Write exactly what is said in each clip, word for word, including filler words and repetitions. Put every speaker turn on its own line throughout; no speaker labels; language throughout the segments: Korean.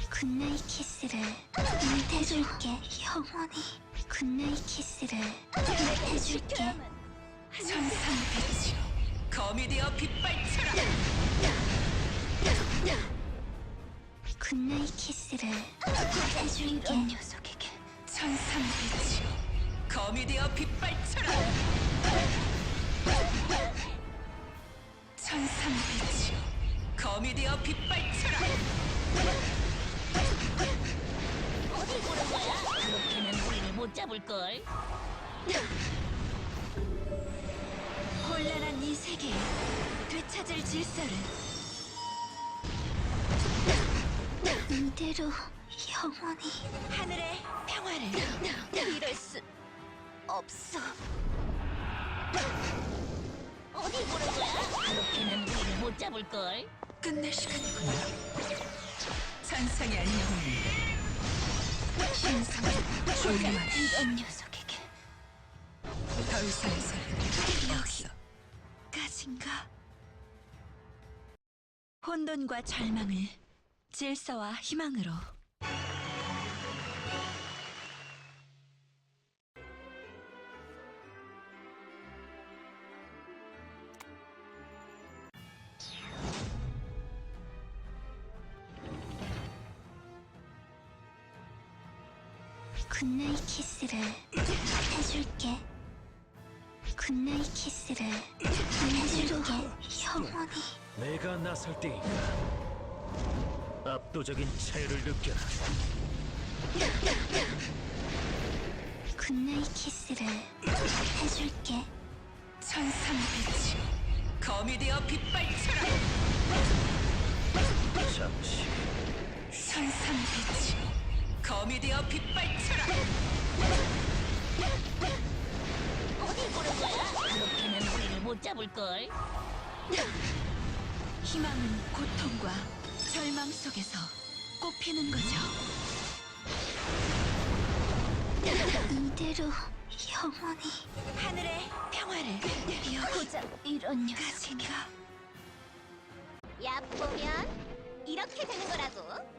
굿나잇 키스를 해줄게. 영원히 굿나잇 키스를 해줄게.
천상빛이여, 검이 되어 빛발쳐라.
굿나잇 키스를 해줄게. 이 녀석에게
천상빛이여, 검이 되어 빛발쳐라. 천상빛이여, 검이 되어 빛발쳐라.
어디 보는 거야? 그렇게는 우리를 못 잡을걸.
혼란한 이 세계에 되찾을 질서를 이대로 영원히
하늘의 평화를. 이럴 수 없어. 어디 보는 거야? 그렇게는 우리를 못 잡을걸.
끝낼 시간이구나. 산상의 안녕입니다. 신성한 조용한
이런 녀석에게
더 이상의 소리는 없어.
까진가? 혼돈과 절망을 질서와 희망으로. 굿나잇 키스를 해줄게. 굿나잇 키스를 해줄게. 영원히
내가 나설 때인가 압도적인 차이를 느껴라.
굿나잇 키스를 해줄게.
천상빛이여, 검이 되어 빛발쳐라.
잠시
천상빛이여, 검이 되어 빛발쳐라.
어디 보는 거야? 그렇게는 우리를 못 잡을걸.
희망은 고통과 절망 속에서 꽃피는 거죠. 이대로 영원히
하늘의 평화를.
고작 이런 녀석에게
야 보면 이렇게 되는 거라고.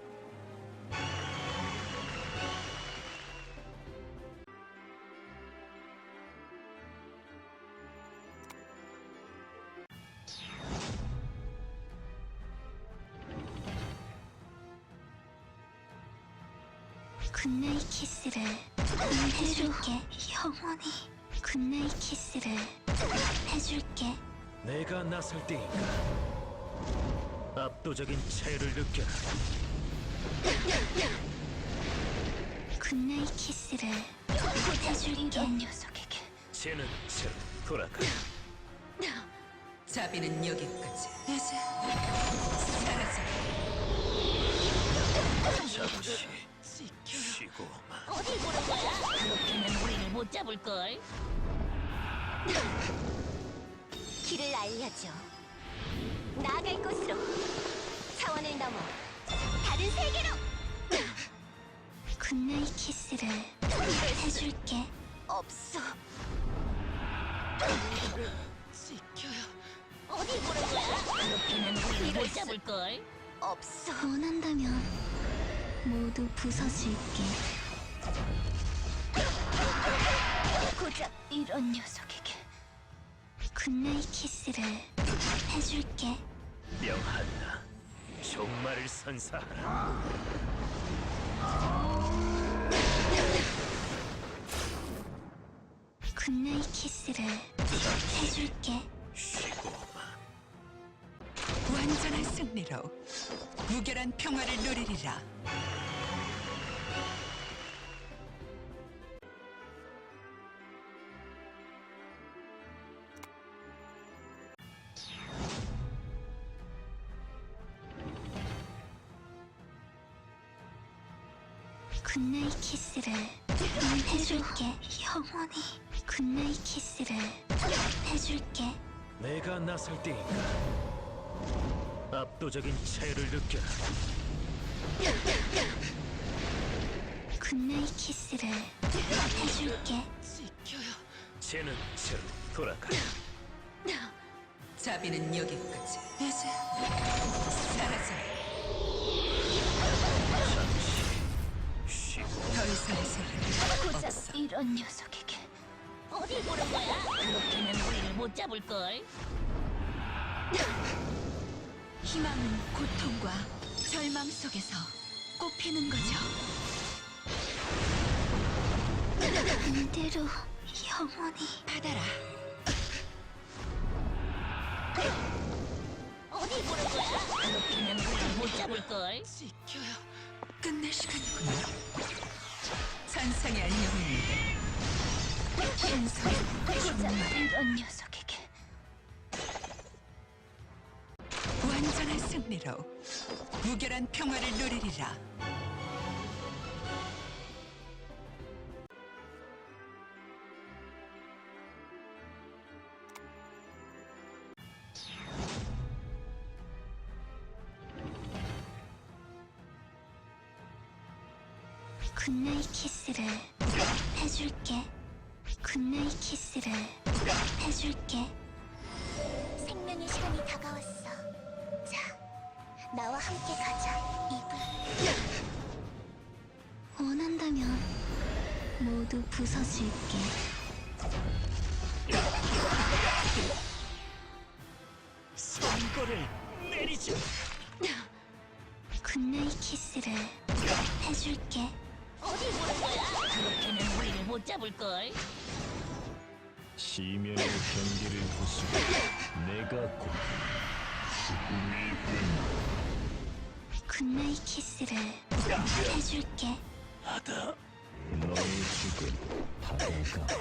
굿나잇 키스를 해줄게. 영원히 굿나잇 키스를 해줄게.
내가 나설 때인가 압도적인 차이를 느껴라.
굿나잇 키스를 해줄게. 이런 녀석에게
쟤는 쟤로 돌아가.
자비는 여기까지. 이제 사라져.
잠시 쉬고
어디 보는 거야? 그렇게는 우리를 못 잡을걸. 길을 알려줘. 나아갈 곳으로. 차원을 넘어 다른 세계로.
굿나잇 키스를 해줄게.
없어. 어디 보는 거야? 그렇게는 우리를 못 잡을걸. 없어.
원한다면 모두 부서질게. 고작 이런 녀석에게 굿나잇 키스를 해줄게.
명한나 종말을 선사하라.
굿나잇 키스를 해줄게.
쉬고
완전한 승리로 무결한 평화를 누리리라.
굿나잇 키스를 해줄게. 영원히 굿나잇 키스를 해줄게.
내가 나설 때인가 압도적인 차이를 느껴라.
굿나잇 키스를 해줄게.
쟤는 쟤로 돌아가.
자비는 여기까지. 이제 사라져.
이런 녀석에게
어디 보는 거야? 그렇게는 우리를 못 잡을 걸.
희망은 고통과 절망 속에서 꽃피는 거죠.
반대로 영원히
받아라.
어디 보는 거야? 그렇게는 우리를 못 잡을 걸.
지켜요. 끝낼 시간이구나. 천상의 안녕을 신성 정말
이런 녀석에게
완전한 승리로 무결한 평화를 누리리라.
굿나잇 키스를 해줄게. 굿나잇 키스를 해줄게. 생명의 시간이 다가왔어. 자, 나와 함께 가자, 이브. 원한다면 모두 부숴줄게.
선고를 내리자.
굿나잇 키스를 해줄게.
어디 보는 거야? 그렇게는 우리를 못 잡을 걸.
시면의 경계를 부수고 내가 곧
굿나잇 키스를 해줄게.
하다. 너의 죽음 다가가.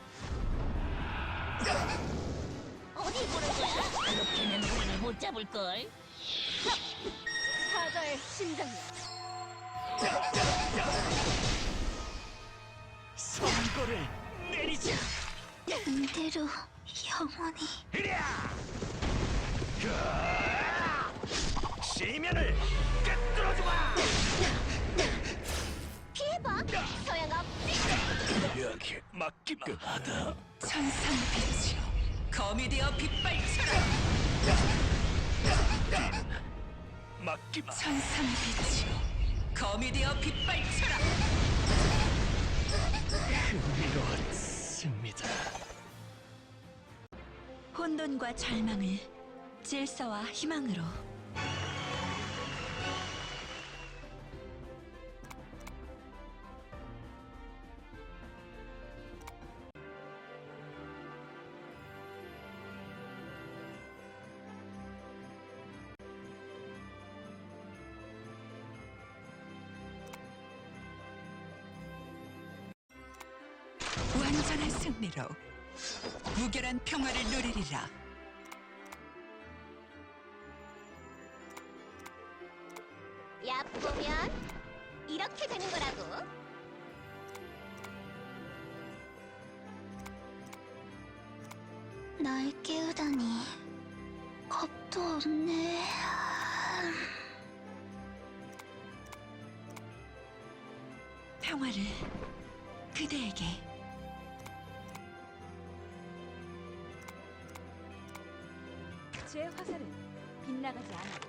어디 보는 거야? 그렇게는 우리를 못 잡을 걸. 사자의 심장이야.
선고를 내리자.
반대로 영원히
시면을 꿰뚫어주마.
피해봐. 소용없지.
여기 맡기마. 하다.
천상의 빛이여 검이 되어 빛발쳐라.
맡기마.
천상의 빛이여 검이 되어 빛발쳐라.
흥미로운 승리다.
혼돈과 절망을 질서와 희망으로. 완전한 승리로 무결한 평화를 누리리라.
야 보면 이렇게 되는 거라고.
날 깨우다니 겁도 없네.
평화를 그대에게.
제 화살은 빗나가지 않아.